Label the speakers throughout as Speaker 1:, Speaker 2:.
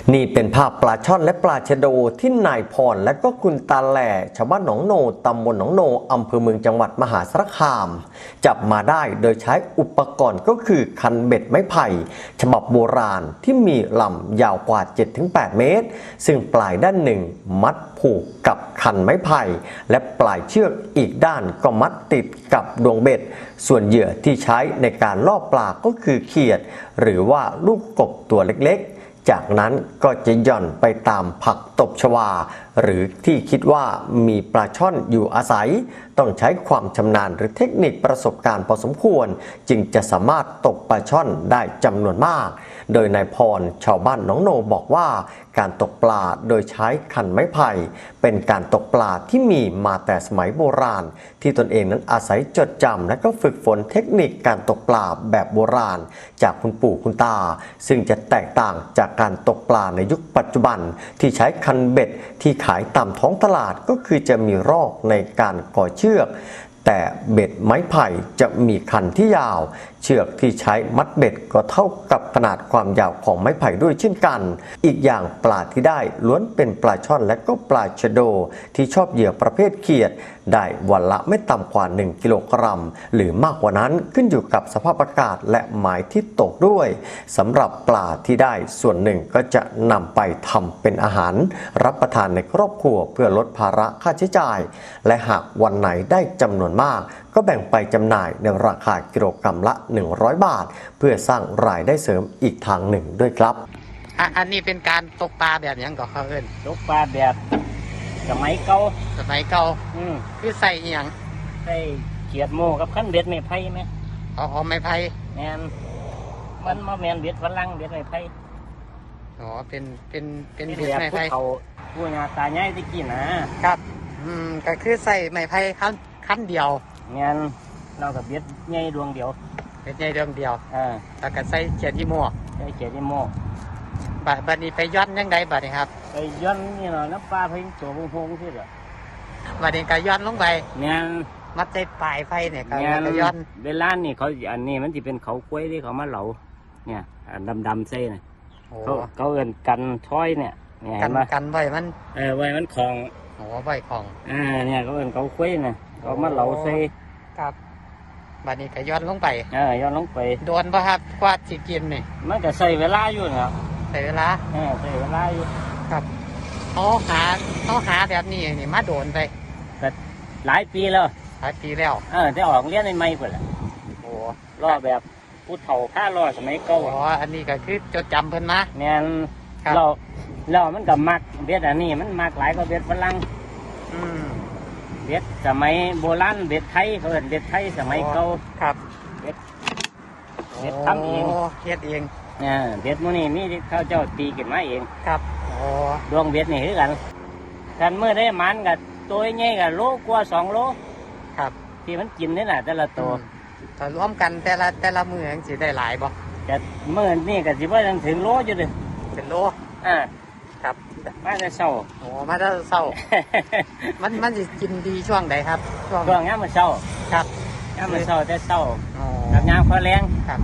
Speaker 1: นี่เป็นภาพปลาช่อนและปลาชะโดที่นายพรและก็คุณตาแหล่ชาวบ้านหนองโนตำบลหนองโนอำเภอเมืองจังหวัดมหาสารคามจับมาได้โดยใช้อุปกรณ์ก็คือคันเบ็ดไม้ไผ่ฉบับโบราณที่มีลำยาวกว่า 7-8 เมตรซึ่งปลายด้านหนึ่งมัดผูกกับคันไม้ไผ่และปลายเชือกอีกด้านก็มัดติดกับดวงเบ็ดส่วนเหยื่อที่ใช้ในการล่อปลาก็คือเขียดหรือว่าลูกกบตัวเล็กๆจากนั้นก็จะหย่อนไปตามผักตบชวาหรือที่คิดว่ามีปลาช่อนอยู่อาศัยต้องใช้ความชำนาญหรือเทคนิคประสบการณ์พอสมควรจึงจะสามารถตกปลาช่อนได้จำนวนมากโดยนายพรชาวบ้านหนองโนบอกว่าการตกปลาโดยใช้คันไม้ไผ่เป็นการตกปลาที่มีมาแต่สมัยโบราณที่ตนเองนั้นอาศัยจดจำและก็ฝึกฝนเทคนิคการตกปลาแบบโบราณจากคุณปู่คุณตาซึ่งจะแตกต่างจากการตกปลาในยุคปัจจุบันที่ใช้คันเบ็ดที่ขายตามท้องตลาดก็คือจะมีรอกในการก่อเชือกแต่เบ็ดไม้ไผ่จะมีคันที่ยาวเชือกที่ใช้มัดเบ็ดก็เท่ากับขนาดความยาวของไม้ไผ่ด้วยเช่นกันอีกอย่างปลาที่ได้ล้วนเป็นปลาช่อนและก็ปลาชะโดที่ชอบเหยื่อประเภทเขียดได้วันละไม่ต่ำกว่า1กิโลกรัมหรือมากกว่านั้นขึ้นอยู่กับสภาพอากาศและหมายที่ตกด้วยสำหรับปลาที่ได้ส่วนหนึ่งก็จะนำไปทำเป็นอาหารรับประทานในครอบครัวเพื่อลดภาระค่าใช้จ่ายและหากวันไหนได้จำนวนมากก็แบ่งไปจำหน่ายในราคากิโลกรัมละ100 บาทเพื่อสร้างรายได้เสริมอีกทางหนึ่งด้วยครับ
Speaker 2: อันนี้เป็นการตกปลาแบบยังก็เขาเอิ้น
Speaker 3: ตกปลาแบบสมัยเก่า
Speaker 2: คือใส่อหยัง
Speaker 3: ใส่เขียดโม่กับขั้นเบ็ดไม้ไผ่ไหม
Speaker 2: เอาไม้ไผ่
Speaker 3: แมนมันมาแมนเบ็ดฝรั่งเบ็ดไม้ไผ่
Speaker 2: เป็นเบ็ดไม้ไผ่
Speaker 3: เขาผู้งาตาใหญ่ที่กินนะครับ
Speaker 2: ก็คือใส่ไม้ไผ่ขั้นเดียว
Speaker 3: แมนเรากับเบ็ดใหญ่ดวงเดียว
Speaker 2: เบ็ดใหญ่ดวงเดียวแล้วก็ใส่เขียดอีโม่
Speaker 3: ใส่เขียดอีโม่
Speaker 2: บัดนี้ไปย้อนยังไงบัดนี้ครับ
Speaker 3: ไปย้อนนี่เนาะน้ำปลาเพิ่งตัวพงที่เหรอ
Speaker 2: บัดนี้ก็ย้อนลงไป
Speaker 3: แมน
Speaker 2: มัดใจปลายไฟเนี่ยก็ย้อน
Speaker 3: เวลานี่เขาอันนี้มันจะเป็นเขากล้วยที่เขามาเหลาเนี่ยดำเส้นเนี่ยเขาเอิ้นกันช้อยเนี่ย
Speaker 2: กันไว้มัน
Speaker 3: ไว้มันคลอง
Speaker 2: ไว้ของ
Speaker 3: เนี่ยเขาเอิ้นเขากล้วยเนี่ยเขามาเหลาเส้
Speaker 2: ครับบัดนี้ก็ย้อนลงไป
Speaker 3: ย้อนลงไป
Speaker 2: โดนป่ะครับกว่าสิกินนี่
Speaker 3: มันก็ใส่เวลาอยู่นะครับ
Speaker 2: ใส่เวลา
Speaker 3: ใส่เวลาอยู่
Speaker 2: ครับเขาหาแบบนี้นี่มาโดนไป
Speaker 3: ก็หลายปีแล้วได้ออกเรียนในไม่เปิดแหละรอแบบผู้เฒ่าผ้ารอสมัยเก่า
Speaker 2: อันนี้ก็คือจดจำเพิ่นมา
Speaker 3: เนี่ยเรามันกับมักเบ็ดอันนี้มันมักหลายกว่าเบ็ดฝรั่งเบ็ดสมัยโบราณเบ็ดไทยเขาเรียกเบ็ดไทยสมัยเก่า
Speaker 2: ครับ
Speaker 3: เบ็ดทำเอง
Speaker 2: เฮ็ดเอง
Speaker 3: เบ็ดมื้อนี้มีเขาเจ้าตีกันมาเอง
Speaker 2: ครับ
Speaker 3: ดวงเบ็ดนี่คือกันเมื่อได้มันกับตัวใหญ่กับโลกว่า2 โล
Speaker 2: ครับ
Speaker 3: ที่มันกินนี่แหละแต่ละตัว
Speaker 2: ถ้ารวมกันแต่ละมือสิได้หลายบ่
Speaker 3: แต่เมื่อนี่ก็สิว่าถึงโลอยู่ดิ
Speaker 2: เป็นโลครับ
Speaker 3: มาแต่เช้า
Speaker 2: มาแต่เช้ามันสิกินดีช่วงใดครับ
Speaker 3: ช่วงยามมื้อเช้า
Speaker 2: ครับ
Speaker 3: ยามมื้อเช้าแต่เช้ากับยามพอแลง
Speaker 2: ครับ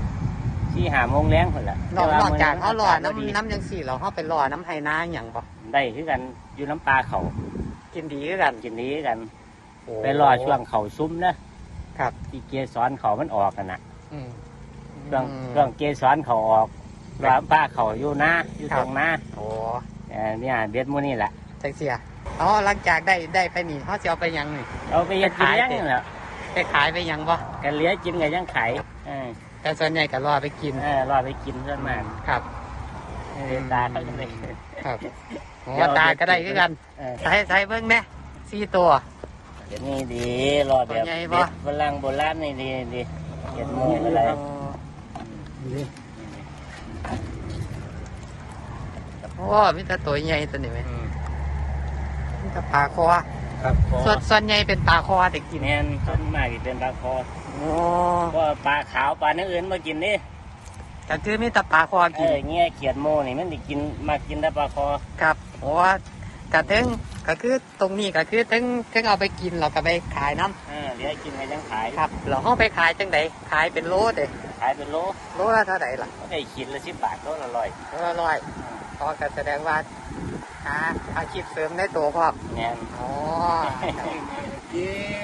Speaker 3: 4-5 โมงแลงพุ่นล่ะ
Speaker 2: นอกจากเฮารอน้ำจังซี่เราเฮาไปรอน้ำไห้นาหยังบ่
Speaker 3: ได้คือกันอยู่น้ำปลาเขา
Speaker 2: กินดีคือกัน
Speaker 3: ไปรอช่วงเขาซุ้มนะครับที่เกสรเขามันออกกันนะช่วงเกสรเขาออกว่าป้าเขาอยู่หน้าอยู่ตรงหน้าเนี่ยเบ็ดมูนี่แหละ
Speaker 2: จังเสียหลังจากได้ไปนี่เขาจะเอาไปยังนี่
Speaker 3: เอาไปยังขายนี่แหละ
Speaker 2: ไปขายไปยังบ่
Speaker 3: กันเลี้ยกินกันยังขาย
Speaker 2: แต่ส่วนใหญ่ก็รอไปกิน
Speaker 3: รอไปกินส่วนมาก
Speaker 2: ครับ
Speaker 3: ตาเขาจะได้
Speaker 2: ครับตาก็ได้คือกันใช้เบิ้งแม่4 ตัว
Speaker 3: นี่ดีรอแบบฝรั่งโบราณนี่ดีเก็บมืออะไร
Speaker 2: มีแต่ตัวใหญ่ตัวนี้ไหมมีแต่ปลาคอ
Speaker 3: ครับ
Speaker 2: ส่วนใหญ่เป็นปลาคอแต่กิน
Speaker 3: แน่นส่วนมากเป็นปลาคอก็ปลาขาวปลาเนื้ออื่นมากินนี่
Speaker 2: แต่คือมีแต่ปลาคอกิน
Speaker 3: เงี้ยเขียดโมนี่มันได้กินมากินแต่ปลาคอ
Speaker 2: ครับกระเทงก็คือตรงนี้ก็คือถึงเอาไปกินเราก็ไปขายน้
Speaker 3: ำเดี๋ยวกินไปยังขาย
Speaker 2: ครับเราเอาไปขายจังไดขายเป็นโลเด้
Speaker 3: ขายเป็นโล
Speaker 2: ละเท่าไหร่ล่ะ
Speaker 3: ได้ขีดละ10 บาทโลละ100
Speaker 2: อ๋อก็แสดงว่าหาอาชีพเสริมในตัวพ่อ
Speaker 3: แม่น
Speaker 2: อ๋อ